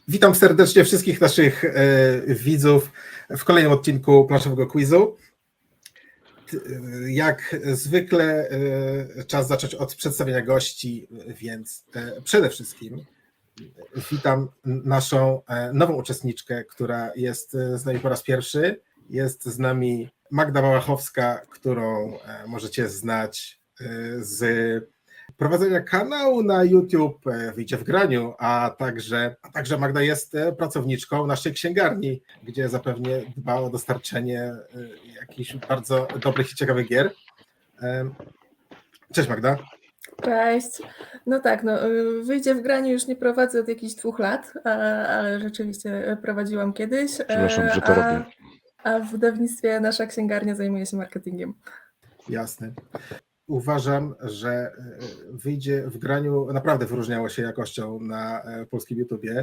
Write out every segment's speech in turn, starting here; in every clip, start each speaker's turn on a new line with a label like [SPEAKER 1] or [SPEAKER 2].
[SPEAKER 1] Witam serdecznie wszystkich naszych widzów w kolejnym odcinku planszowego quizu. Jak zwykle czas zacząć od przedstawienia gości, więc przede wszystkim witam naszą nową uczestniczkę, która jest z nami po raz pierwszy. Jest z nami Magda Wałachowska, którą możecie znać z prowadzenia kanału na YouTube Wyjdzie w graniu, a także Magda jest pracowniczką naszej księgarni, gdzie zapewne dba o dostarczenie jakichś bardzo dobrych i ciekawych gier. Cześć Magda.
[SPEAKER 2] Cześć. No tak, Wyjdzie w graniu już nie prowadzę od jakichś 2 lat, ale rzeczywiście prowadziłam kiedyś.
[SPEAKER 3] Przepraszam, że to robię.
[SPEAKER 2] A w wydawnictwie nasza księgarnia zajmuje się marketingiem.
[SPEAKER 1] Jasne. Uważam, że Wyjdzie w graniu naprawdę wyróżniało się jakością na polskim YouTubie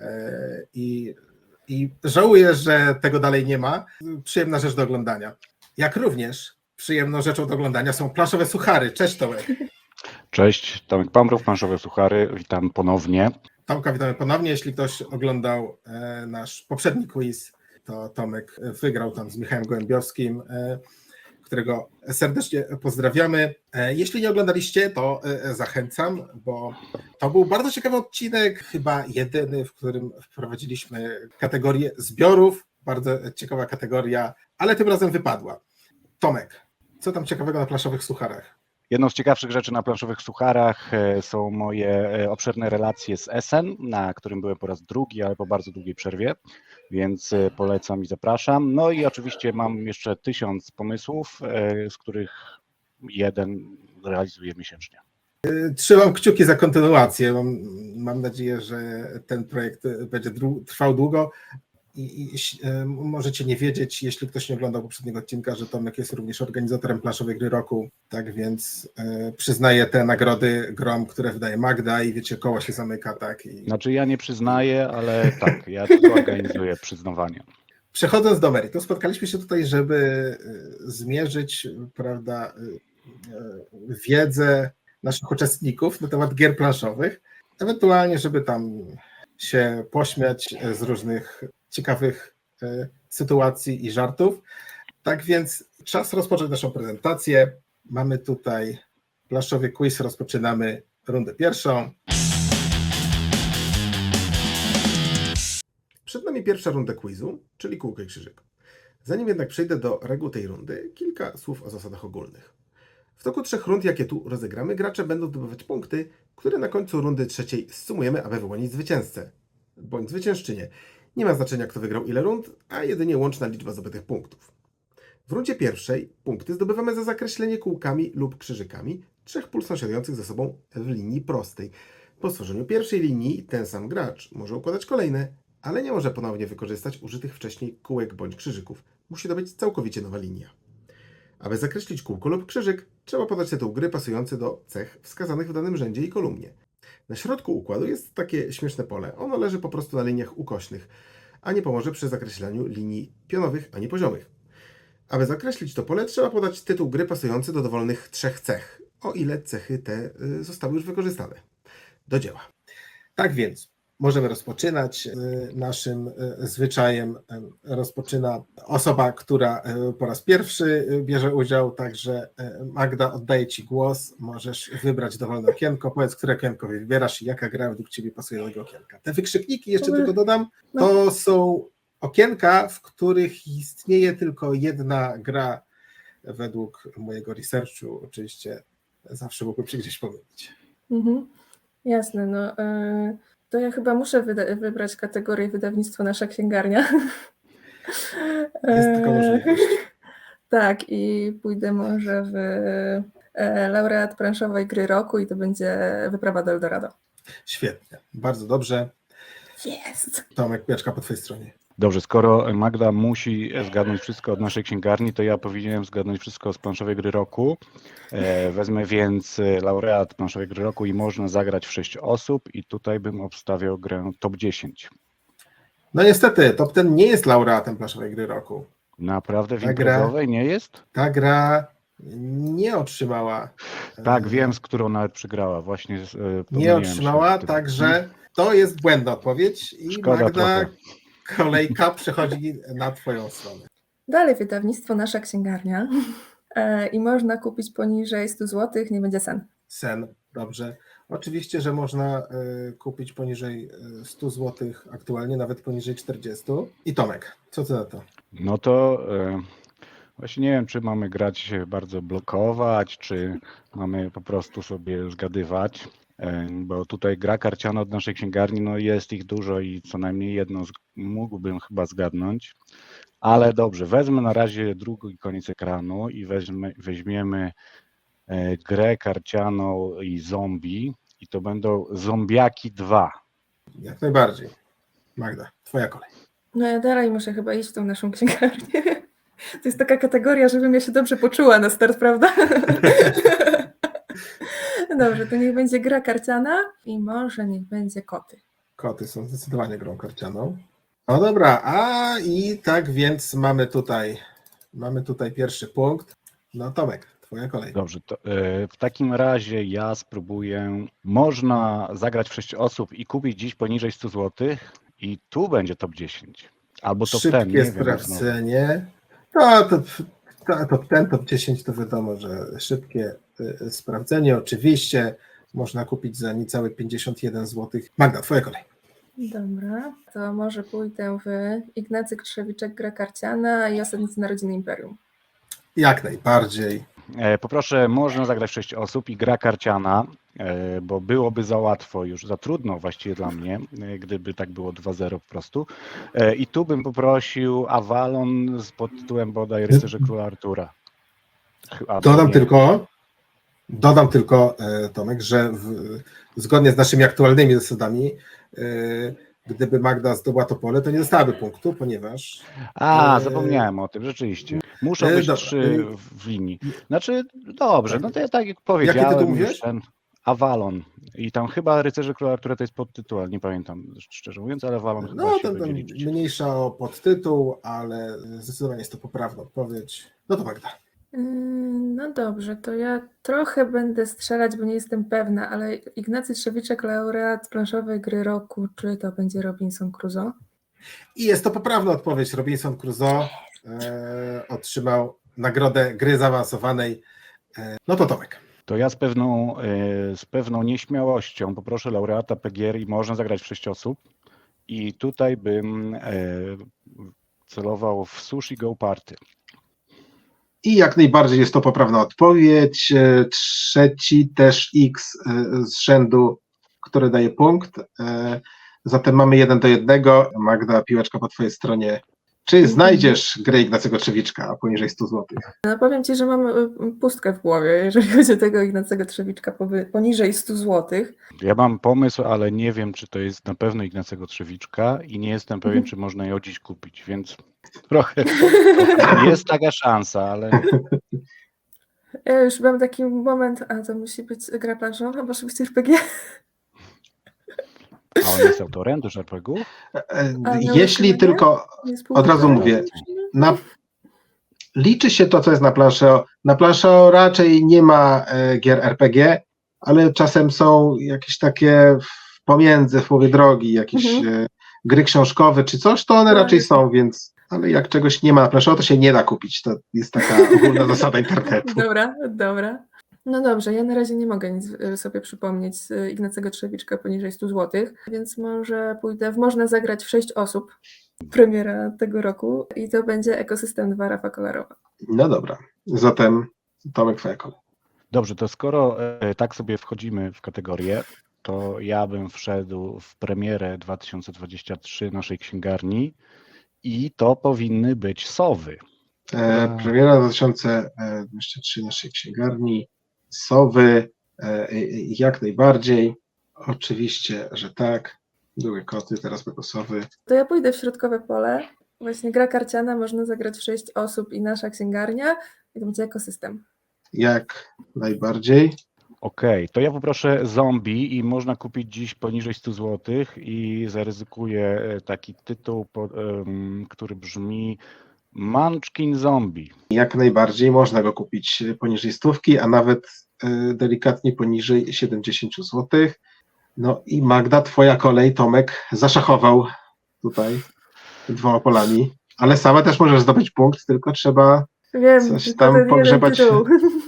[SPEAKER 1] i żałuję, że tego dalej nie ma. Przyjemna rzecz do oglądania. Jak również przyjemną rzeczą do oglądania są planszowe suchary. Cześć Tomek.
[SPEAKER 3] Cześć, Tomek Pamrów, planszowe suchary, witam ponownie.
[SPEAKER 1] Tomka, witamy ponownie. Jeśli ktoś oglądał nasz poprzedni quiz, to Tomek wygrał tam z Michałem Gołębiowskim, którego serdecznie pozdrawiamy. Jeśli nie oglądaliście, to zachęcam, bo to był bardzo ciekawy odcinek, chyba jedyny, w którym wprowadziliśmy kategorię zbiorów. Bardzo ciekawa kategoria, ale tym razem wypadła. Tomek, co tam ciekawego na planszowych sucharach?
[SPEAKER 3] Jedną z ciekawszych rzeczy na planszowych sucharach są moje obszerne relacje z Essen, na którym byłem po raz drugi, ale po bardzo długiej przerwie, więc polecam i zapraszam. No i oczywiście mam jeszcze 1000 pomysłów, z których jeden realizuję miesięcznie.
[SPEAKER 1] Trzymam kciuki za kontynuację. Mam nadzieję, że ten projekt będzie trwał długo. I możecie nie wiedzieć, jeśli ktoś nie oglądał poprzedniego odcinka, że Tomek jest również organizatorem planszowej gry roku, tak więc przyznaję te nagrody grom, które wydaje Magda i wiecie, koło się zamyka, tak.
[SPEAKER 3] Znaczy ja nie przyznaję, ale tak, ja tylko organizuję przyznawanie.
[SPEAKER 1] Przechodząc do meritum, spotkaliśmy się tutaj, żeby zmierzyć, prawda, wiedzę naszych uczestników na temat gier planszowych, ewentualnie, żeby tam się pośmiać z różnych ciekawych sytuacji i żartów. Tak więc czas rozpocząć naszą prezentację. Mamy tutaj planszowy quiz, rozpoczynamy rundę pierwszą. Przed nami pierwsza runda quizu, czyli kółko i krzyżyk. Zanim jednak przejdę do reguł tej rundy, kilka słów o zasadach ogólnych. W toku 3 rund, jakie tu rozegramy, gracze będą zdobywać punkty, które na końcu rundy trzeciej zsumujemy, aby wyłonić zwycięzcę bądź zwyciężczynię. Nie ma znaczenia, kto wygrał ile rund, a jedynie łączna liczba zdobytych punktów. W rundzie pierwszej punkty zdobywamy za zakreślenie kółkami lub krzyżykami 3 pól sąsiadujących ze sobą w linii prostej. Po stworzeniu pierwszej linii ten sam gracz może układać kolejne, ale nie może ponownie wykorzystać użytych wcześniej kółek bądź krzyżyków. Musi to być całkowicie nowa linia. Aby zakreślić kółko lub krzyżyk, trzeba podać tytuł gry pasujący do cech wskazanych w danym rzędzie i kolumnie. Na środku układu jest takie śmieszne pole. Ono leży po prostu na liniach ukośnych, a nie pomoże przy zakreślaniu linii pionowych ani poziomych. Aby zakreślić to pole, trzeba podać tytuł gry pasujący do dowolnych 3 cech, o ile cechy te zostały już wykorzystane. Do dzieła. Tak więc możemy rozpoczynać. Naszym zwyczajem rozpoczyna osoba, która po raz pierwszy bierze udział, także Magda, oddaję Ci głos. Możesz wybrać dowolne okienko. Powiedz, które okienko wybierasz i jaka gra według Ciebie pasuje do tego okienka. Te wykrzykniki, jeszcze tylko dodam, to są okienka, w których istnieje tylko jedna gra według mojego researchu. Oczywiście zawsze mógłbym się gdzieś pomylić.
[SPEAKER 2] Jasne, to ja chyba muszę wybrać kategorię wydawnictwo Nasza Księgarnia.
[SPEAKER 1] Jest taka możliwość.
[SPEAKER 2] Tak, i pójdę może w laureat planszowej gry roku i to będzie Wyprawa do Eldorado.
[SPEAKER 1] Świetnie, bardzo dobrze.
[SPEAKER 2] Jest!
[SPEAKER 1] Tomek, pieczka po Twojej stronie.
[SPEAKER 3] Dobrze, skoro Magda musi zgadnąć wszystko od naszej księgarni, to ja powinienem zgadnąć wszystko z planszowej gry roku. Wezmę więc laureat planszowej gry roku i można zagrać w 6 osób i tutaj bym obstawiał grę top 10.
[SPEAKER 1] No niestety, top 10 nie jest laureatem planszowej gry roku.
[SPEAKER 3] Naprawdę w
[SPEAKER 1] Ta
[SPEAKER 3] imprezowej nie jest?
[SPEAKER 1] Ta gra nie otrzymała.
[SPEAKER 3] Tak, wiem, z którą nawet przegrała. Właśnie
[SPEAKER 1] Nie
[SPEAKER 3] pomyliłem się
[SPEAKER 1] otrzymała,
[SPEAKER 3] w tym.
[SPEAKER 1] także to jest błędna odpowiedź i
[SPEAKER 3] Szkoda
[SPEAKER 1] Magda,
[SPEAKER 3] trochę.
[SPEAKER 1] kolejka przechodzi na twoją stronę.
[SPEAKER 2] Dalej wydawnictwo Nasza Księgarnia i można kupić poniżej 100 zł, nie będzie sen.
[SPEAKER 1] Sen, dobrze. Oczywiście, że można kupić poniżej 100 zł aktualnie, nawet poniżej 40. I Tomek, co ty na to?
[SPEAKER 3] No to właśnie nie wiem, czy mamy grać bardzo blokować, czy mamy po prostu sobie zgadywać, bo tutaj gra karciana od naszej księgarni, no jest ich dużo i co najmniej jedno mógłbym chyba zgadnąć, ale dobrze, wezmę na razie drugi koniec ekranu i weźmiemy grę karcianą i zombie i to będą Zombiaki 2.
[SPEAKER 1] Jak najbardziej. Magda, twoja kolej.
[SPEAKER 2] No ja dalej muszę chyba iść w tą naszą księgarnię. To jest taka kategoria, żebym ja się dobrze poczuła na start, prawda? Dobrze, to niech będzie gra karciana i może niech będzie koty.
[SPEAKER 1] Koty są zdecydowanie grą karcianą. No dobra, a i tak więc mamy tutaj pierwszy punkt. No Tomek, twoja kolej.
[SPEAKER 3] Dobrze, to w takim razie ja spróbuję. Można zagrać w 6 osób i kupić dziś poniżej 100 zł i tu będzie top 10. Albo top 10,
[SPEAKER 1] Szybkie
[SPEAKER 3] nie wiem.
[SPEAKER 1] sprawdzenie. Top 10 to wiadomo, że szybkie sprawdzenie. Oczywiście można kupić za niecałe 51 zł. Magda, twoja kolej.
[SPEAKER 2] Dobra, to może pójdę w Ignacy Krzewiczek, gra karciana i Osadnicy Narodziny Imperium.
[SPEAKER 1] Jak najbardziej.
[SPEAKER 3] Poproszę, można zagrać w 6 osób i gra karciana, bo byłoby za łatwo, już za trudno właściwie dla mnie, gdyby tak było 2-0 po prostu. I tu bym poprosił Avalon pod tytułem bodaj Rycerze Króla Artura.
[SPEAKER 1] Dodam tylko, Tomek, że zgodnie z naszymi aktualnymi zasadami, gdyby Magda zdobyła to pole, to nie dostałaby punktu, ponieważ...
[SPEAKER 3] Zapomniałem o tym, rzeczywiście. Muszą być
[SPEAKER 1] dobra.
[SPEAKER 3] 3 w linii. Znaczy, dobrze, no to ja tak jak powiedziałem.
[SPEAKER 1] Jaki tytuł
[SPEAKER 3] już
[SPEAKER 1] mówiłeś?
[SPEAKER 3] ten Avalon. I tam chyba Rycerze Króla Artura to jest podtytuł, ale nie pamiętam szczerze mówiąc, ale Avalon chyba
[SPEAKER 1] No,
[SPEAKER 3] się
[SPEAKER 1] to
[SPEAKER 3] będzie liczyć.
[SPEAKER 1] mniejsza o podtytuł, ale zdecydowanie jest to poprawna odpowiedź. No to Magda.
[SPEAKER 2] No dobrze, to ja trochę będę strzelać, bo nie jestem pewna, ale Ignacy Trzewiczek, laureat planszowej gry roku, czy to będzie Robinson Crusoe?
[SPEAKER 1] I jest to poprawna odpowiedź. Robinson Crusoe otrzymał nagrodę gry zaawansowanej. No to Tomek.
[SPEAKER 3] To ja z pewną nieśmiałością poproszę laureata PGR i można zagrać w 6 osób. I tutaj bym celował w Sushi Go Party.
[SPEAKER 1] I jak najbardziej jest to poprawna odpowiedź. Trzeci też X z rzędu, który daje punkt. Zatem mamy 1-1. Magda, piłeczka po twojej stronie. Czy znajdziesz grę Ignacego Trzewiczka poniżej 100 zł?
[SPEAKER 2] No powiem Ci, że mam pustkę w głowie, jeżeli chodzi o tego Ignacego Trzewiczka poniżej 100 zł.
[SPEAKER 3] Ja mam pomysł, ale nie wiem, czy to jest na pewno Ignacego Trzewiczka i nie jestem pewien, czy można ją dziś kupić, więc trochę jest taka szansa, ale...
[SPEAKER 2] Ja już mam taki moment, a to musi być gra planszowa, może być RPG.
[SPEAKER 3] A on jest autorem do RPG-u?
[SPEAKER 1] Jeśli tylko, od razu mówię, liczy się to, co jest na planszy. Na planszy raczej nie ma gier RPG, ale czasem są jakieś takie pomiędzy, w połowie drogi, jakieś gry książkowe czy coś, to one raczej są, więc, ale jak czegoś nie ma na planszy, to się nie da kupić. To jest taka ogólna zasada internetu.
[SPEAKER 2] Dobra. No dobrze, ja na razie nie mogę nic sobie przypomnieć z Ignacego Trzewiczka poniżej 100 zł, więc może pójdę można zagrać w 6 osób. Premiera tego roku i to będzie Ekosystem 2 Rafa Kolarowa.
[SPEAKER 1] No dobra, zatem Tomek, twoja kolej.
[SPEAKER 3] Dobrze, to skoro tak sobie wchodzimy w kategorię, to ja bym wszedł w premierę 2023 naszej księgarni i to powinny być Sowy.
[SPEAKER 1] Premiera 2023 naszej księgarni, Sowy, jak najbardziej, oczywiście, że tak, były koty, teraz będą Sowy.
[SPEAKER 2] To ja pójdę w środkowe pole, właśnie gra karciana, można zagrać w 6 osób i nasza księgarnia i to będzie Ekosystem.
[SPEAKER 1] Jak najbardziej.
[SPEAKER 3] Okej, to ja poproszę Zombie i można kupić dziś poniżej 100 zł i zaryzykuję taki tytuł, który brzmi Munchkin Zombie.
[SPEAKER 1] Jak najbardziej można go kupić poniżej 100, a nawet delikatnie poniżej 70 zł. No i Magda, twoja kolej, Tomek zaszachował tutaj 2 polami, ale sama też możesz zdobyć punkt, tylko trzeba
[SPEAKER 2] Wiem,
[SPEAKER 1] coś
[SPEAKER 2] tylko
[SPEAKER 1] tam
[SPEAKER 2] ten jeden
[SPEAKER 1] pogrzebać
[SPEAKER 2] tytuł.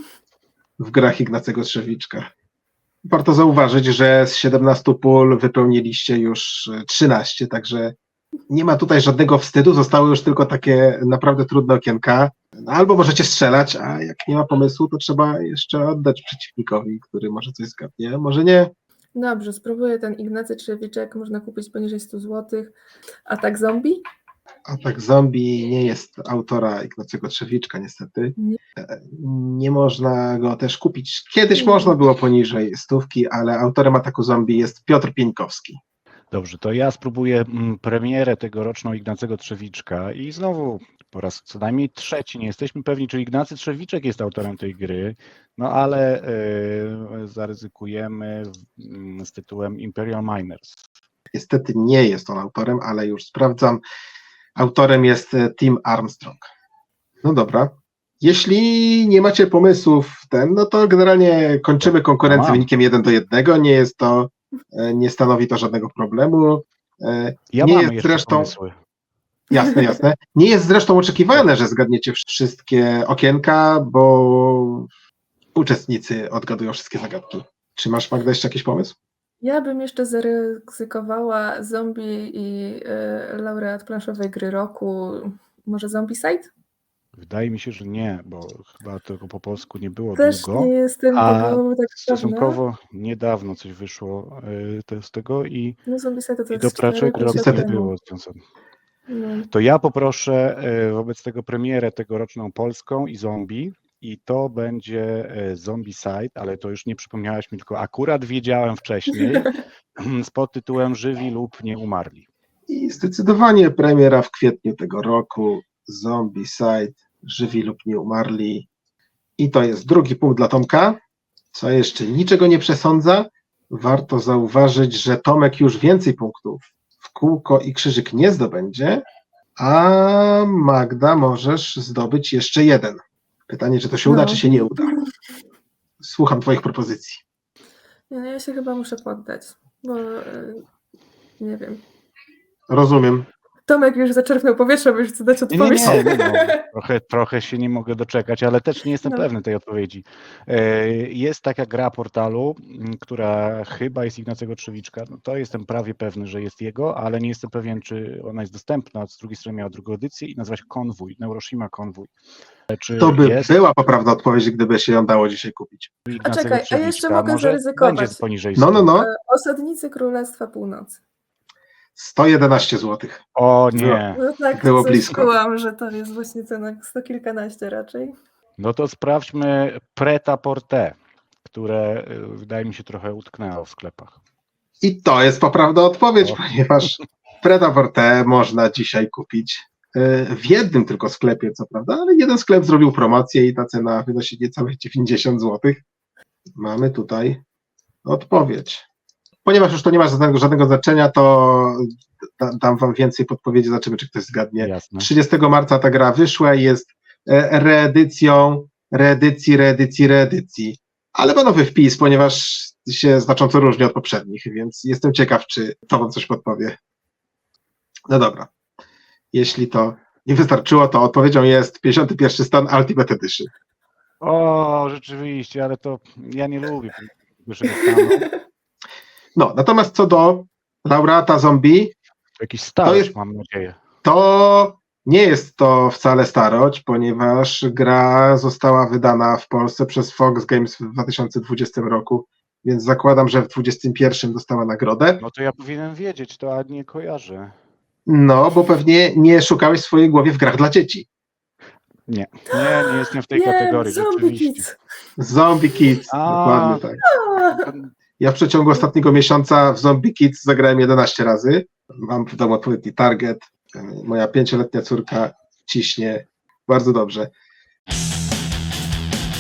[SPEAKER 1] w grach Ignacego Trzewiczka. Warto zauważyć, że z 17 pól wypełniliście już 13, także nie ma tutaj żadnego wstydu, zostały już tylko takie naprawdę trudne okienka. No, albo możecie strzelać, a jak nie ma pomysłu, to trzeba jeszcze oddać przeciwnikowi, który może coś zgadnie, może nie.
[SPEAKER 2] Dobrze, spróbuję ten Ignacy Trzewiczek, można kupić poniżej 100 zł. A tak zombie?
[SPEAKER 1] Atak Zombie nie jest autora Ignacego Trzewiczka, niestety.
[SPEAKER 2] Nie.
[SPEAKER 1] Nie można go też kupić. Kiedyś można było poniżej 100, ale autorem Ataku Zombie jest Piotr Pieńkowski.
[SPEAKER 3] Dobrze, to ja spróbuję premierę tegoroczną Ignacego Trzewiczka i znowu po raz co najmniej trzeci, nie jesteśmy pewni, czy Ignacy Trzewiczek jest autorem tej gry, no ale zaryzykujemy z tytułem Imperial Miners.
[SPEAKER 1] Niestety nie jest on autorem, ale już sprawdzam. Autorem jest Tim Armstrong. No dobra. Jeśli nie macie pomysłów, no to generalnie kończymy konkurencję wynikiem 1-1. Nie jest to, nie stanowi to żadnego problemu.
[SPEAKER 3] Ja
[SPEAKER 1] nie
[SPEAKER 3] mam
[SPEAKER 1] jest
[SPEAKER 3] jeszcze
[SPEAKER 1] zresztą,
[SPEAKER 3] pomysły.
[SPEAKER 1] jasne, jasne. Nie jest zresztą oczekiwane, że zgadniecie wszystkie okienka, bo uczestnicy odgadują wszystkie zagadki. Czy masz, Magda, jeszcze jakiś pomysł?
[SPEAKER 2] Ja bym jeszcze zaryzykowała zombie i laureat planszowej gry roku. Może Zombicide?
[SPEAKER 3] Wydaje mi się, że nie, bo chyba tego po polsku nie było
[SPEAKER 2] Też
[SPEAKER 3] długo,
[SPEAKER 2] nie jestem
[SPEAKER 3] a
[SPEAKER 2] tego tak pewna.
[SPEAKER 3] stosunkowo niedawno coś wyszło z tego i
[SPEAKER 2] No Zombicide to
[SPEAKER 3] do
[SPEAKER 2] jest 4
[SPEAKER 3] praczek rok
[SPEAKER 1] Niestety.
[SPEAKER 3] nie
[SPEAKER 2] temu.
[SPEAKER 3] było związane.
[SPEAKER 2] No.
[SPEAKER 3] To ja poproszę wobec tego premierę tegoroczną polską i zombie i to będzie Zombicide, ale to już nie przypomniałaś mi, tylko akurat wiedziałem wcześniej z podtytułem Żywi lub nie umarli.
[SPEAKER 1] I zdecydowanie premiera w kwietniu tego roku. Zombicide, Żywi lub nie umarli. I to jest drugi punkt dla Tomka, co jeszcze niczego nie przesądza. Warto zauważyć, że Tomek już więcej punktów w kółko i krzyżyk nie zdobędzie, a Magda możesz zdobyć jeszcze 1. Pytanie, czy to się uda,
[SPEAKER 2] No.
[SPEAKER 1] czy się nie uda. Słucham twoich propozycji.
[SPEAKER 2] Nie, ja się chyba muszę poddać, bo nie wiem.
[SPEAKER 1] Rozumiem.
[SPEAKER 2] Tomek już zaczerpnął powietrze, by już chce dać
[SPEAKER 3] Nie,
[SPEAKER 2] odpowiedź.
[SPEAKER 3] trochę się nie mogę doczekać, ale też nie jestem
[SPEAKER 2] No.
[SPEAKER 3] pewny tej odpowiedzi. Jest taka gra portalu, która chyba jest Ignacego Trzewiczka. No to jestem prawie pewny, że jest jego, ale nie jestem pewien, czy ona jest dostępna. Z drugiej strony miała drugą edycję i nazywa się Konwój, Neuroshima Konwój. Czy
[SPEAKER 1] To by
[SPEAKER 3] jest
[SPEAKER 1] była poprawna odpowiedź, gdyby się ją dało dzisiaj kupić.
[SPEAKER 3] Ignacego
[SPEAKER 2] czekaj, a jeszcze
[SPEAKER 3] Trzewiczka?
[SPEAKER 2] mogę
[SPEAKER 3] Może
[SPEAKER 2] zaryzykować.
[SPEAKER 3] będzie poniżej
[SPEAKER 1] No,
[SPEAKER 3] 100.
[SPEAKER 1] no.
[SPEAKER 2] Osadnicy Królestwa Północy.
[SPEAKER 1] 111 zł.
[SPEAKER 3] O nie.
[SPEAKER 2] No tak,
[SPEAKER 1] Było
[SPEAKER 2] coś
[SPEAKER 1] blisko.
[SPEAKER 2] czułam, że to jest właśnie cena 100 kilkanaście raczej.
[SPEAKER 3] No to sprawdźmy Pret-a-Porter, które wydaje mi się trochę utknęło w sklepach.
[SPEAKER 1] I to jest poprawna odpowiedź,
[SPEAKER 3] O.
[SPEAKER 1] ponieważ Pret-a-Porter można dzisiaj kupić w jednym tylko sklepie, co prawda, ale jeden sklep zrobił promocję i ta cena wynosi niecałe 90 zł. Mamy tutaj odpowiedź. Ponieważ już to nie ma żadnego znaczenia, to dam wam więcej podpowiedzi, zobaczymy, czy ktoś zgadnie.
[SPEAKER 3] Jasne.
[SPEAKER 1] 30 marca ta gra wyszła i jest reedycją reedycji. Ale ma nowy wpis, ponieważ się znacząco różni od poprzednich, więc jestem ciekaw, czy to wam coś podpowie. No dobra. Jeśli to nie wystarczyło, to odpowiedzią jest 51 stan Ultimate Edition.
[SPEAKER 3] O, rzeczywiście, ale to ja nie lubię wyższego stanu.
[SPEAKER 1] No, natomiast co do laureata zombie,
[SPEAKER 3] Jakiś starość,
[SPEAKER 1] jest-
[SPEAKER 3] mam nadzieję.
[SPEAKER 1] to nie jest to wcale starość, ponieważ gra została wydana w Polsce przez Fox Games w 2020 roku, więc zakładam, że w 2021 dostała nagrodę.
[SPEAKER 3] No to ja powinienem wiedzieć to, a nie kojarzę.
[SPEAKER 1] No, bo pewnie nie szukałeś w swojej głowie w grach dla dzieci.
[SPEAKER 3] Nie jestem w tej kategorii,
[SPEAKER 2] Zombie
[SPEAKER 3] rzeczywiście.
[SPEAKER 2] Kids.
[SPEAKER 1] Zombie Kids,
[SPEAKER 3] A.
[SPEAKER 1] dokładnie tak. Ja w przeciągu ostatniego miesiąca w Zombie Kids zagrałem 11 razy. Mam w domu odpowiedni target. Moja 5-letnia córka ciśnie bardzo dobrze.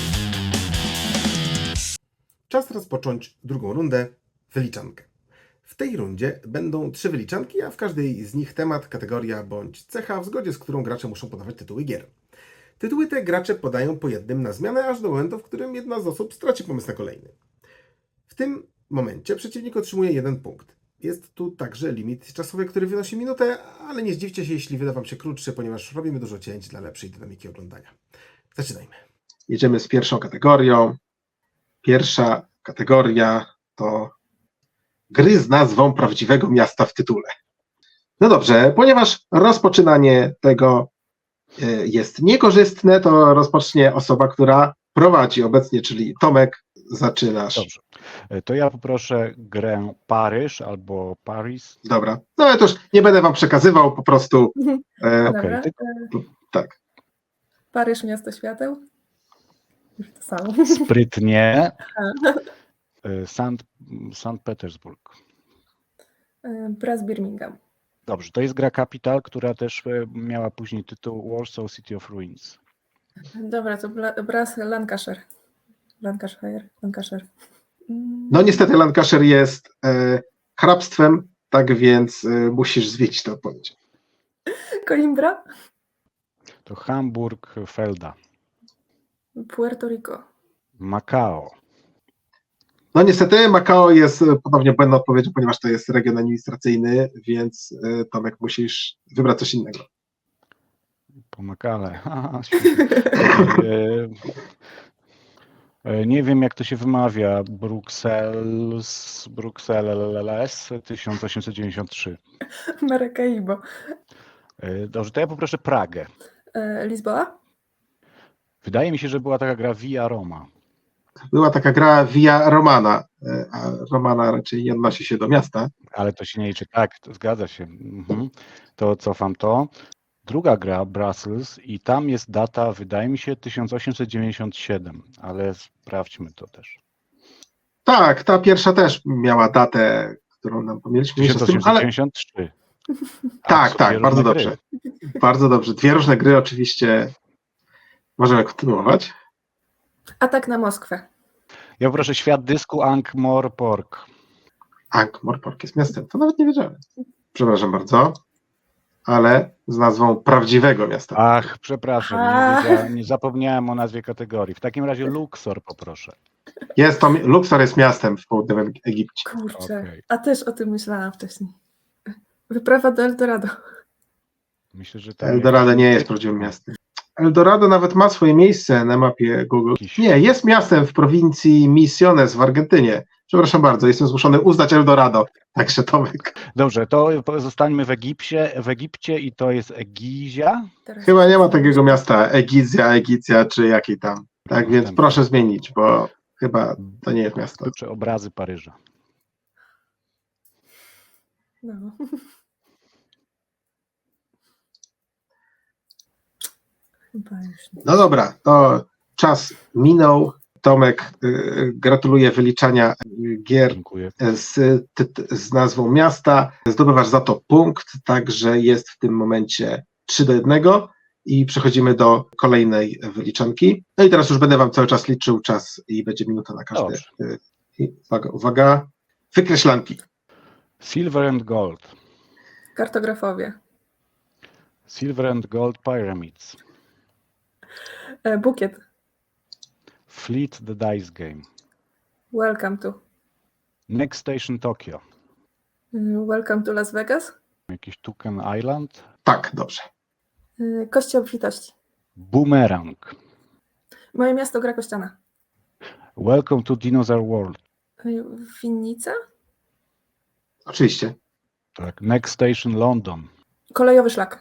[SPEAKER 1] Czas rozpocząć drugą rundę, wyliczankę. W W tej rundzie będą 3 wyliczanki, a w każdej z nich temat, kategoria bądź cecha, w zgodzie z którą gracze muszą podawać tytuły gier. Tytuły te gracze podają po jednym na zmianę, aż do momentu, w którym jedna z osób straci pomysł na kolejny. W tym momencie przeciwnik otrzymuje 1 punkt. Jest tu także limit czasowy, który wynosi minutę, ale nie zdziwcie się, jeśli wyda Wam się krótszy, ponieważ robimy dużo cięć dla lepszej dynamiki oglądania. Zaczynajmy. Jedziemy z pierwszą kategorią. Pierwsza kategoria to gry z nazwą prawdziwego miasta w tytule. No dobrze, ponieważ rozpoczynanie tego jest niekorzystne, to rozpocznie osoba, która prowadzi obecnie, czyli Tomek, zaczynasz.
[SPEAKER 3] Dobrze. To ja poproszę grę Paryż albo Paris.
[SPEAKER 1] Dobra, no ale to już nie będę Wam przekazywał, po prostu
[SPEAKER 2] Dobra.
[SPEAKER 1] tak.
[SPEAKER 2] Paryż, miasto świateł. Już to samo.
[SPEAKER 3] Sprytnie. Sankt Petersburg.
[SPEAKER 2] Braz Birmingham.
[SPEAKER 3] Dobrze, to jest gra Capital, która też miała później tytuł Warsaw City of Ruins.
[SPEAKER 2] Dobra, to Braz Lancashire. Lancashire.
[SPEAKER 1] No niestety Lancashire jest hrabstwem, tak więc musisz zmienić tę odpowiedź.
[SPEAKER 2] Coimbra.
[SPEAKER 3] To Hamburg Felda.
[SPEAKER 2] Puerto Rico.
[SPEAKER 3] Macao.
[SPEAKER 1] No niestety Macao jest ponownie błędną odpowiedzią, ponieważ to jest region administracyjny, więc Tomek musisz wybrać coś innego.
[SPEAKER 3] Pomagale. Nie wiem, jak to się wymawia. Bruxelles 1893.
[SPEAKER 2] Maracaibo.
[SPEAKER 3] Dobrze, to ja poproszę Pragę.
[SPEAKER 2] Lizboa.
[SPEAKER 3] Wydaje mi się, że była taka gra Via Roma.
[SPEAKER 1] Była taka gra Via Romana, a Romana raczej nie odnosi się do miasta.
[SPEAKER 3] Ale to się nie liczy. Tak, to zgadza się. To cofam to. Druga gra, Brussels, i tam jest data, wydaje mi się, 1897, ale sprawdźmy to też.
[SPEAKER 1] Tak, ta pierwsza też miała datę, którą nam pomyliśmy. Ale
[SPEAKER 3] 1893.
[SPEAKER 1] tak, bardzo dobrze. Bardzo dobrze. 2 różne gry oczywiście. Możemy kontynuować.
[SPEAKER 2] Atak na Moskwę.
[SPEAKER 3] Ja proszę Świat Dysku, Ankh-Morpork.
[SPEAKER 1] Ankh-Morpork jest miastem, to nawet nie wiedziałem. Przepraszam bardzo, ale z nazwą prawdziwego miasta.
[SPEAKER 3] Ach, przepraszam, nie zapomniałem o nazwie kategorii. W takim razie Luxor poproszę.
[SPEAKER 1] Luxor jest miastem w południowym Egipcie.
[SPEAKER 2] Kurczę,
[SPEAKER 3] Okej.
[SPEAKER 2] a też o tym myślałam wcześniej. Wyprawa do Eldorado.
[SPEAKER 3] Myślę, że tam
[SPEAKER 1] Eldorado nie jest prawdziwym miastem. Eldorado nawet ma swoje miejsce na mapie Google. Nie, jest miastem w prowincji Misiones w Argentynie. Przepraszam bardzo, jestem zmuszony uznać Eldorado. Także Tomek.
[SPEAKER 3] Dobrze, to zostańmy w Egipcie i to jest Egizja.
[SPEAKER 1] Chyba nie ma takiego miasta Egicja czy jakiej tam. Tak więc proszę zmienić, bo chyba to nie jest miasto.
[SPEAKER 3] Czy obrazy Paryża.
[SPEAKER 2] No. Chyba już nie.
[SPEAKER 1] No dobra, to czas minął. Tomek, gratuluję wyliczania gier
[SPEAKER 3] Dziękuję.
[SPEAKER 1] z nazwą miasta. Zdobywasz za to punkt, także jest w tym momencie 3-1 i przechodzimy do kolejnej wyliczanki. No i teraz już będę Wam cały czas liczył czas i będzie minuta na każdy.
[SPEAKER 3] Dobrze.
[SPEAKER 1] Uwaga, wykreślanki.
[SPEAKER 3] Silver and Gold.
[SPEAKER 2] Kartografowie.
[SPEAKER 3] Silver and Gold Pyramids.
[SPEAKER 2] Bukiet.
[SPEAKER 3] Fleet the Dice Game.
[SPEAKER 2] Welcome to.
[SPEAKER 3] Next Station Tokyo.
[SPEAKER 2] Welcome to Las Vegas.
[SPEAKER 3] Jakiś Tuken Island.
[SPEAKER 1] Tak, dobrze.
[SPEAKER 2] Kości obfitości.
[SPEAKER 3] Boomerang.
[SPEAKER 2] Moje miasto gra kościana.
[SPEAKER 3] Welcome to Dinosaur World.
[SPEAKER 2] Winnica.
[SPEAKER 1] Oczywiście.
[SPEAKER 3] Tak. Next Station London.
[SPEAKER 2] Kolejowy szlak.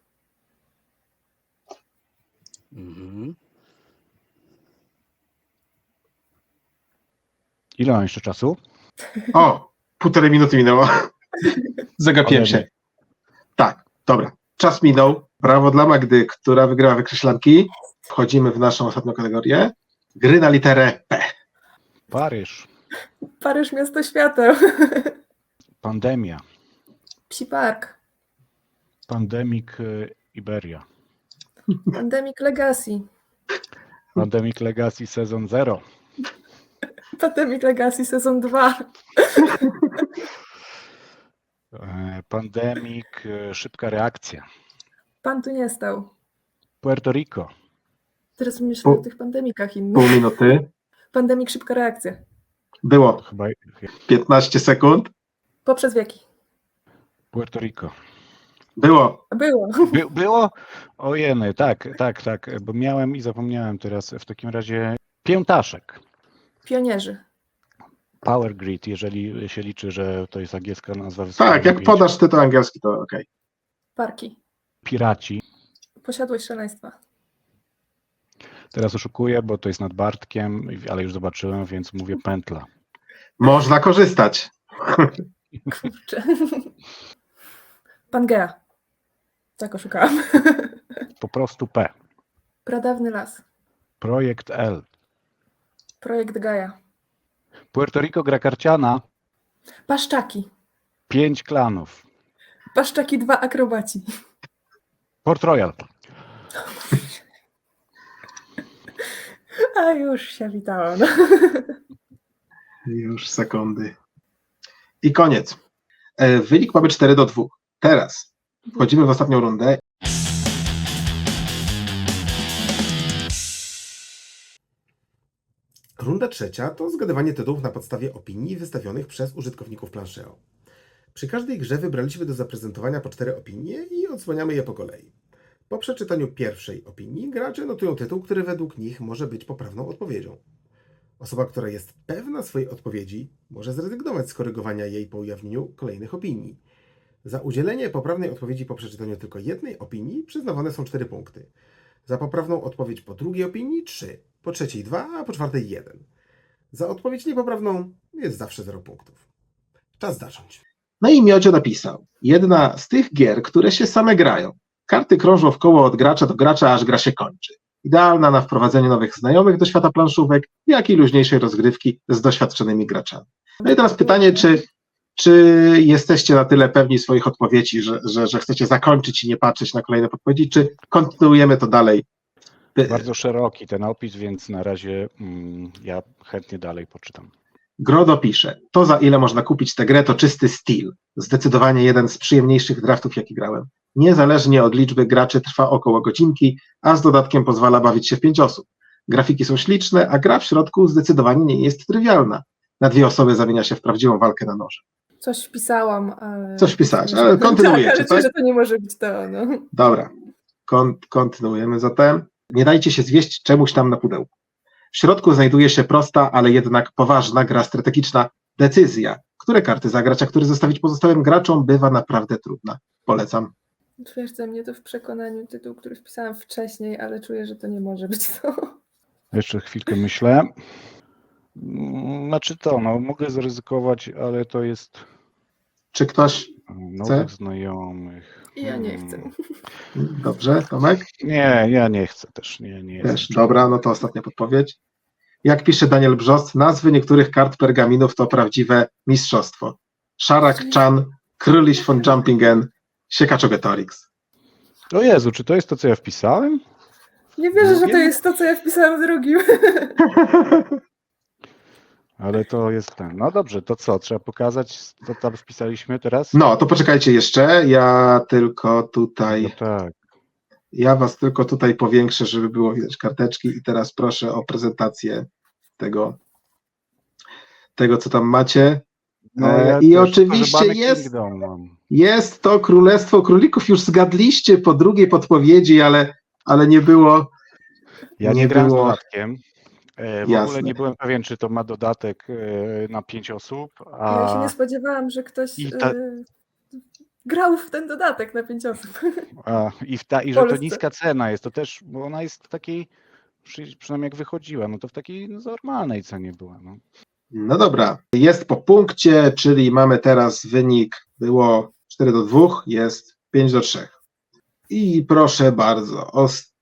[SPEAKER 3] Ile mam jeszcze czasu?
[SPEAKER 1] O, 1,5 minuty minęło. Zagapiłem się.
[SPEAKER 3] Ode
[SPEAKER 1] Tak, dobra. Czas minął. Brawo dla Magdy, która wygrywa wykreślanki. Wchodzimy w naszą ostatnią kategorię. Gry na literę P.
[SPEAKER 3] Paryż.
[SPEAKER 2] Paryż, miasto świateł.
[SPEAKER 3] Pandemia.
[SPEAKER 2] Psi park.
[SPEAKER 3] Pandemic Iberia.
[SPEAKER 2] Pandemic Legacy.
[SPEAKER 3] Pandemic Legacy sezon 0.
[SPEAKER 2] Pandemic Legacy sezon 2.
[SPEAKER 3] Pandemik, szybka reakcja.
[SPEAKER 2] Pan tu nie stał.
[SPEAKER 3] Puerto Rico.
[SPEAKER 2] Teraz myślę o tych pandemikach
[SPEAKER 4] Pół
[SPEAKER 2] innych.
[SPEAKER 4] minuty.
[SPEAKER 2] Pandemik, szybka reakcja.
[SPEAKER 4] Było
[SPEAKER 3] Chyba
[SPEAKER 4] 15 sekund.
[SPEAKER 2] Poprzez wieki.
[SPEAKER 3] Puerto Rico.
[SPEAKER 4] Było
[SPEAKER 2] Było.
[SPEAKER 3] Było? Ojeny, tak, bo miałem i zapomniałem teraz. W takim razie piętaszek.
[SPEAKER 2] Pionierzy.
[SPEAKER 3] Power Grid, jeżeli się liczy, że to jest angielska nazwa.
[SPEAKER 4] tak, jak
[SPEAKER 3] pięć.
[SPEAKER 4] podasz tytuł angielski, to okej.
[SPEAKER 2] Parki.
[SPEAKER 3] Piraci.
[SPEAKER 2] Posiadłość szaleństwa.
[SPEAKER 3] Teraz oszukuję, bo to jest nad Bartkiem, ale już zobaczyłem, więc mówię pętla.
[SPEAKER 4] Można korzystać.
[SPEAKER 2] Kurczę. Pangea. Tak oszukałam.
[SPEAKER 3] Po prostu P.
[SPEAKER 2] Pradawny las.
[SPEAKER 3] Projekt L.
[SPEAKER 2] Projekt Gaja.
[SPEAKER 3] Puerto Rico gra karciana.
[SPEAKER 2] Paszczaki.
[SPEAKER 3] 5 klanów.
[SPEAKER 2] Paszczaki 2 akrobaci.
[SPEAKER 3] Port Royal.
[SPEAKER 2] A już się witałam. No.
[SPEAKER 4] Już sekundy. I koniec. Wynik mamy 4-2. Teraz wchodzimy w ostatnią rundę.
[SPEAKER 1] Runda trzecia to zgadywanie tytułów na podstawie opinii wystawionych przez użytkowników Planszeo. Przy każdej grze wybraliśmy do zaprezentowania po 4 opinie i odsłaniamy je po kolei. Po przeczytaniu pierwszej opinii gracze notują tytuł, który według nich może być poprawną odpowiedzią. Osoba, która jest pewna swojej odpowiedzi, może zrezygnować z korygowania jej po ujawnieniu kolejnych opinii. Za udzielenie poprawnej odpowiedzi po przeczytaniu tylko jednej opinii przyznawane są 4 punkty. Za poprawną odpowiedź po drugiej opinii 3, po trzeciej 2, a po czwartej 1. Za odpowiedź niepoprawną jest zawsze 0 punktów. Czas zacząć.
[SPEAKER 4] No i Miodzio napisał. Jedna z tych gier, które się same grają. Karty krążą w koło od gracza do gracza, aż gra się kończy. Idealna na wprowadzenie nowych znajomych do świata planszówek, jak i luźniejszej rozgrywki z doświadczonymi graczami. No i teraz pytanie, czy jesteście na tyle pewni swoich odpowiedzi, że chcecie zakończyć i nie patrzeć na kolejne podpowiedzi, czy kontynuujemy to dalej?
[SPEAKER 3] Bardzo szeroki ten opis, więc na razie ja chętnie dalej poczytam.
[SPEAKER 4] Grodo pisze, to za ile można kupić tę grę, to czysty styl. Zdecydowanie jeden z przyjemniejszych draftów, jaki grałem. Niezależnie od liczby graczy trwa około godzinki, a z dodatkiem pozwala bawić się w 5 osób. Grafiki są śliczne, a gra w środku zdecydowanie nie jest trywialna. Na 2 osoby zamienia się w prawdziwą walkę na noże.
[SPEAKER 2] Coś wpisałam, ale...
[SPEAKER 4] Coś wpisałaś, ale kontynuujecie,
[SPEAKER 2] tak? Ale
[SPEAKER 4] tak?
[SPEAKER 2] czuję, że to nie może być to, no.
[SPEAKER 4] Dobra, kontynuujemy zatem. Nie dajcie się zwieść czemuś tam na pudełku. W środku znajduje się prosta, ale jednak poważna gra strategiczna decyzja. Które karty zagrać, a które zostawić pozostałym graczom, bywa naprawdę trudna. Polecam.
[SPEAKER 2] Twierdza mnie to w przekonaniu tytuł, który wpisałam wcześniej, ale czuję, że to nie może być to.
[SPEAKER 3] Jeszcze chwilkę myślę. Znaczy to, no mogę zaryzykować, ale to jest
[SPEAKER 4] Czy ktoś
[SPEAKER 3] nowych znajomych.
[SPEAKER 2] I ja nie chcę.
[SPEAKER 4] Dobrze, Tomek?
[SPEAKER 3] Nie, ja nie chcę też. Nie
[SPEAKER 4] Też.
[SPEAKER 3] jestem.
[SPEAKER 4] Dobra, no to ostatnia podpowiedź. Jak pisze Daniel Brzost, nazwy niektórych kart pergaminów to prawdziwe mistrzostwo. Szarak Chan, Króliś von Jumpingen, Siekaczogetorix.
[SPEAKER 3] O Jezu, czy to jest to, co ja wpisałem?
[SPEAKER 2] Nie wierzę, że to jest to, co ja wpisałam w drugim.
[SPEAKER 3] Ale to jest ten. No dobrze, to co? Trzeba pokazać, co tam wpisaliśmy teraz?
[SPEAKER 4] No, to poczekajcie jeszcze, ja tylko
[SPEAKER 3] No
[SPEAKER 4] tutaj,
[SPEAKER 3] tak.
[SPEAKER 4] ja was tylko tutaj powiększę, żeby było widać karteczki i teraz proszę o prezentację tego co tam macie.
[SPEAKER 3] Ja
[SPEAKER 4] I
[SPEAKER 3] też
[SPEAKER 4] oczywiście
[SPEAKER 3] Pożebany
[SPEAKER 4] jest,
[SPEAKER 3] Kingdom mam.
[SPEAKER 4] jest to Królestwo Królików, już zgadliście po drugiej podpowiedzi, ale nie było.
[SPEAKER 3] Ja
[SPEAKER 4] nie
[SPEAKER 3] nie grałem z
[SPEAKER 4] było.
[SPEAKER 3] dodatkiem. W
[SPEAKER 4] Jasne.
[SPEAKER 3] ogóle nie byłem pewien, czy to ma dodatek na 5 osób,
[SPEAKER 2] Ja się
[SPEAKER 3] a,
[SPEAKER 2] nie spodziewałam, że ktoś
[SPEAKER 3] I
[SPEAKER 2] grał w ten dodatek na 5 osób.
[SPEAKER 3] i że to
[SPEAKER 2] Polsce.
[SPEAKER 3] niska cena jest, to też, bo ona jest w takiej, przynajmniej jak wychodziła, no to w takiej normalnej cenie była. No.
[SPEAKER 4] No dobra, jest po punkcie, czyli mamy teraz wynik, było 4-2, jest 5-3. I proszę bardzo,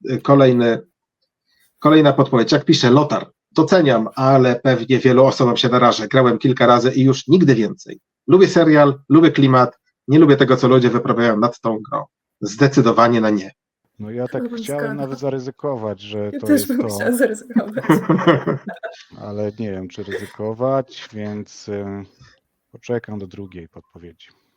[SPEAKER 4] kolejna podpowiedź. Jak pisze Lotar, doceniam, ale pewnie wielu osobom się narażę. Grałem kilka razy i już nigdy więcej. Lubię serial, lubię klimat, nie lubię tego, co ludzie wyprawiają nad tą grą. Zdecydowanie na nie.
[SPEAKER 3] No ja tak
[SPEAKER 2] Chyba
[SPEAKER 3] chciałem
[SPEAKER 2] zgadzam.
[SPEAKER 3] nawet zaryzykować, że
[SPEAKER 2] Ja
[SPEAKER 3] to
[SPEAKER 2] też
[SPEAKER 3] jest
[SPEAKER 2] bym
[SPEAKER 3] to,
[SPEAKER 2] chciała zaryzykować.
[SPEAKER 3] ale nie wiem, czy ryzykować, więc poczekam do drugiej podpowiedzi.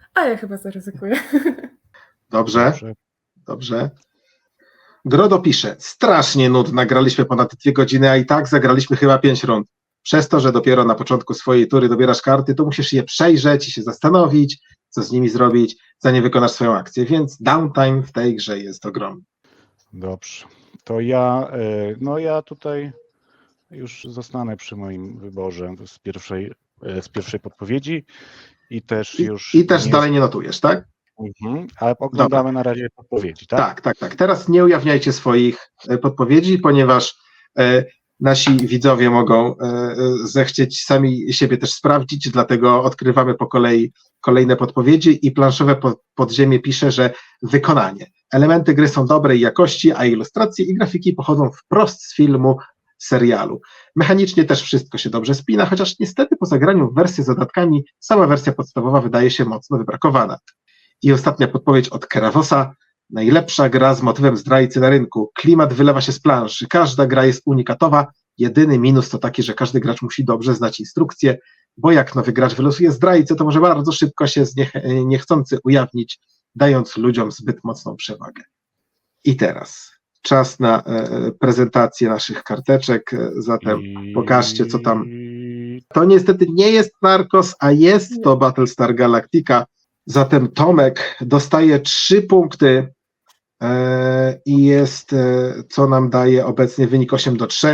[SPEAKER 2] A ja chyba zaryzykuję.
[SPEAKER 4] Dobrze, dobrze. Grodo pisze, strasznie nudna, graliśmy ponad 2 godziny, a i tak zagraliśmy chyba 5 rund. Przez to, że dopiero na początku swojej tury dobierasz karty, to musisz je przejrzeć i się zastanowić, co z nimi zrobić, zanim wykonasz swoją akcję, więc downtime w tej grze jest ogromny.
[SPEAKER 3] Dobrze. To ja tutaj już zostanę przy moim wyborze z pierwszej podpowiedzi i też już
[SPEAKER 4] I też dalej nie notujesz, tak?
[SPEAKER 3] ale oglądamy na razie podpowiedzi, tak?
[SPEAKER 4] Tak. Teraz nie ujawniajcie swoich podpowiedzi, ponieważ nasi widzowie mogą zechcieć sami siebie też sprawdzić, dlatego odkrywamy po kolei kolejne podpowiedzi i planszowe podziemie pisze, że wykonanie. Elementy gry są dobrej jakości, a ilustracje i grafiki pochodzą wprost z filmu, serialu. Mechanicznie też wszystko się dobrze spina, chociaż niestety po zagraniu w wersję z dodatkami sama wersja podstawowa wydaje się mocno wybrakowana. I ostatnia podpowiedź od Kerawosa. Najlepsza gra z motywem zdrajcy na rynku. Klimat wylewa się z planszy. Każda gra jest unikatowa. Jedyny minus to taki, że każdy gracz musi dobrze znać instrukcję, bo jak nowy gracz wylosuje zdrajcę, to może bardzo szybko się niechcący ujawnić, dając ludziom zbyt mocną przewagę. I teraz czas na prezentację naszych karteczek, zatem pokażcie, co tam. To niestety nie jest Narcos, a jest to Battlestar Galactica. Zatem Tomek dostaje 3 punkty i jest, co nam daje obecnie wynik 8-3.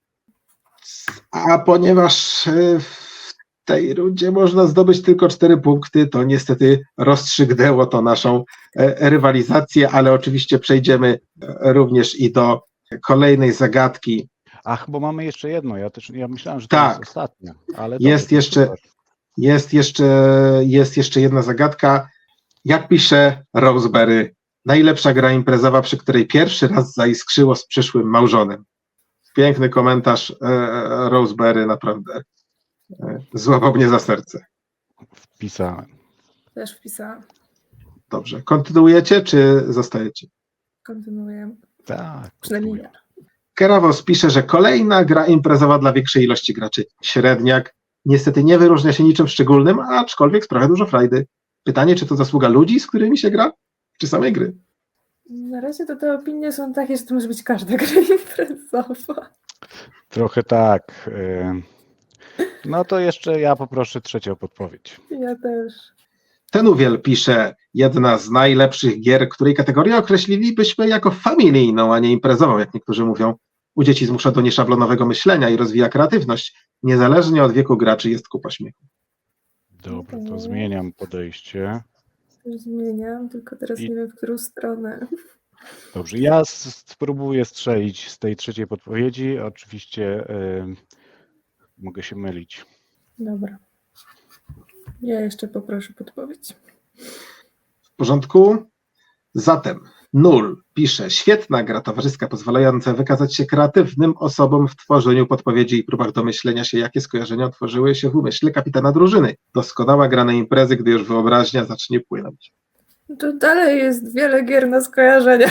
[SPEAKER 4] A ponieważ w tej rundzie można zdobyć tylko 4 punkty, to niestety rozstrzygnęło to naszą rywalizację, ale oczywiście przejdziemy również i do kolejnej zagadki.
[SPEAKER 3] Ach, bo mamy jeszcze jedno. Ja myślałem, że to
[SPEAKER 4] Tak.
[SPEAKER 3] jest ostatnia. Ale
[SPEAKER 4] Jest
[SPEAKER 3] dobrze,
[SPEAKER 4] jeszcze-
[SPEAKER 3] super.
[SPEAKER 4] Jest jeszcze jedna zagadka. Jak pisze Roseberry, najlepsza gra imprezowa, przy której pierwszy raz zaiskrzyło z przyszłym małżonym. Piękny komentarz Roseberry, naprawdę złapał mnie za serce.
[SPEAKER 3] Wpisałem.
[SPEAKER 2] Też wpisałam.
[SPEAKER 4] Dobrze. Kontynuujecie, czy zostajecie?
[SPEAKER 2] Kontynuujemy.
[SPEAKER 3] Tak.
[SPEAKER 2] Przynajmniej ja.
[SPEAKER 4] Keravos pisze, że kolejna gra imprezowa dla większej ilości graczy. Średniak. Niestety nie wyróżnia się niczym szczególnym, aczkolwiek sprawia dużo frajdy. Pytanie, czy to zasługa ludzi, z którymi się gra, czy samej gry?
[SPEAKER 2] Na razie to te opinie są takie, że to może być każda gra imprezowa.
[SPEAKER 3] Trochę tak. No to jeszcze ja poproszę trzecią podpowiedź.
[SPEAKER 2] Ja też.
[SPEAKER 4] Tenuwiel pisze, jedna z najlepszych gier, której kategorię określilibyśmy jako familijną, a nie imprezową, jak niektórzy mówią. U dzieci zmusza do nieszablonowego myślenia i rozwija kreatywność. Niezależnie od wieku graczy jest kupa śmiechu.
[SPEAKER 3] Dobra, to zmieniam podejście.
[SPEAKER 2] Już zmieniam, tylko teraz
[SPEAKER 3] I-
[SPEAKER 2] nie wiem, w którą stronę.
[SPEAKER 3] Dobrze, ja spróbuję strzelić z tej trzeciej podpowiedzi. Oczywiście mogę się mylić.
[SPEAKER 2] Dobra. Ja jeszcze poproszę podpowiedź.
[SPEAKER 4] W porządku? Zatem Null pisze, świetna gra towarzyska pozwalająca wykazać się kreatywnym osobom w tworzeniu podpowiedzi i próbach domyślenia się, jakie skojarzenia otworzyły się w umyśle kapitana drużyny. Doskonała gra na imprezy, gdy już wyobraźnia zacznie płynąć.
[SPEAKER 2] To dalej jest wiele gier na skojarzenia.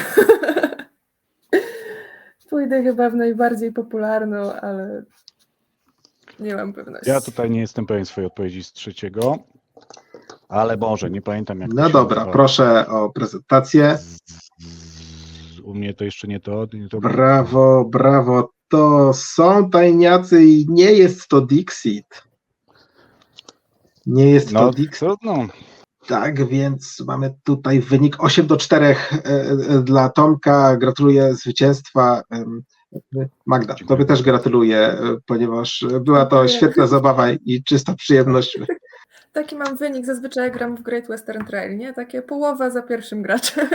[SPEAKER 2] Pójdę chyba w najbardziej popularną, ale nie mam pewności.
[SPEAKER 3] Ja tutaj nie jestem pewien swojej odpowiedzi z trzeciego, ale może, nie pamiętam jak to
[SPEAKER 4] No
[SPEAKER 3] się
[SPEAKER 4] dobra,
[SPEAKER 3] nazywa.
[SPEAKER 4] proszę o prezentację.
[SPEAKER 3] U mnie to jeszcze nie to.
[SPEAKER 4] Brawo, brawo. To są tajniacy i nie jest to Dixit. Nie jest to
[SPEAKER 3] No,
[SPEAKER 4] Dixit.
[SPEAKER 3] trudno.
[SPEAKER 4] Tak, więc mamy tutaj wynik 8-4 dla Tomka. Gratuluję zwycięstwa. Magda,
[SPEAKER 3] Dziękuję.
[SPEAKER 4] tobie też gratuluję, ponieważ była to
[SPEAKER 2] Dziękuję.
[SPEAKER 4] świetna zabawa i czysta przyjemność.
[SPEAKER 2] Taki mam wynik, zazwyczaj gram w Great Western Trail, nie? Takie połowa za pierwszym graczem.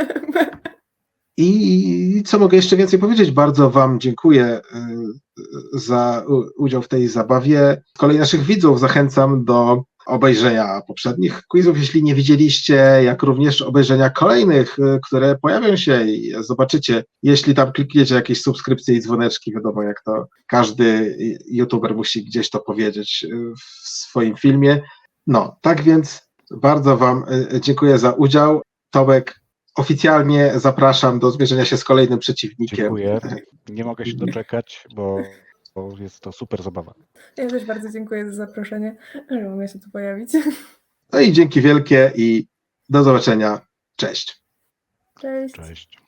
[SPEAKER 4] I co mogę jeszcze więcej powiedzieć? Bardzo wam dziękuję za udział w tej zabawie. Z kolei naszych widzów zachęcam do obejrzenia poprzednich quizów, jeśli nie widzieliście, jak również obejrzenia kolejnych, które pojawią się i zobaczycie. Jeśli tam klikniecie jakieś subskrypcje i dzwoneczki, wiadomo jak to każdy youtuber musi gdzieś to powiedzieć w swoim filmie. No, tak więc bardzo wam dziękuję za udział. Tomek, oficjalnie zapraszam do zmierzenia się z kolejnym przeciwnikiem.
[SPEAKER 3] Dziękuję. Nie mogę się doczekać, bo jest to super zabawa.
[SPEAKER 2] Ja też bardzo dziękuję za zaproszenie, że mogę się tu pojawić.
[SPEAKER 4] No i dzięki wielkie i Do zobaczenia. Cześć.
[SPEAKER 2] Cześć.
[SPEAKER 3] Cześć.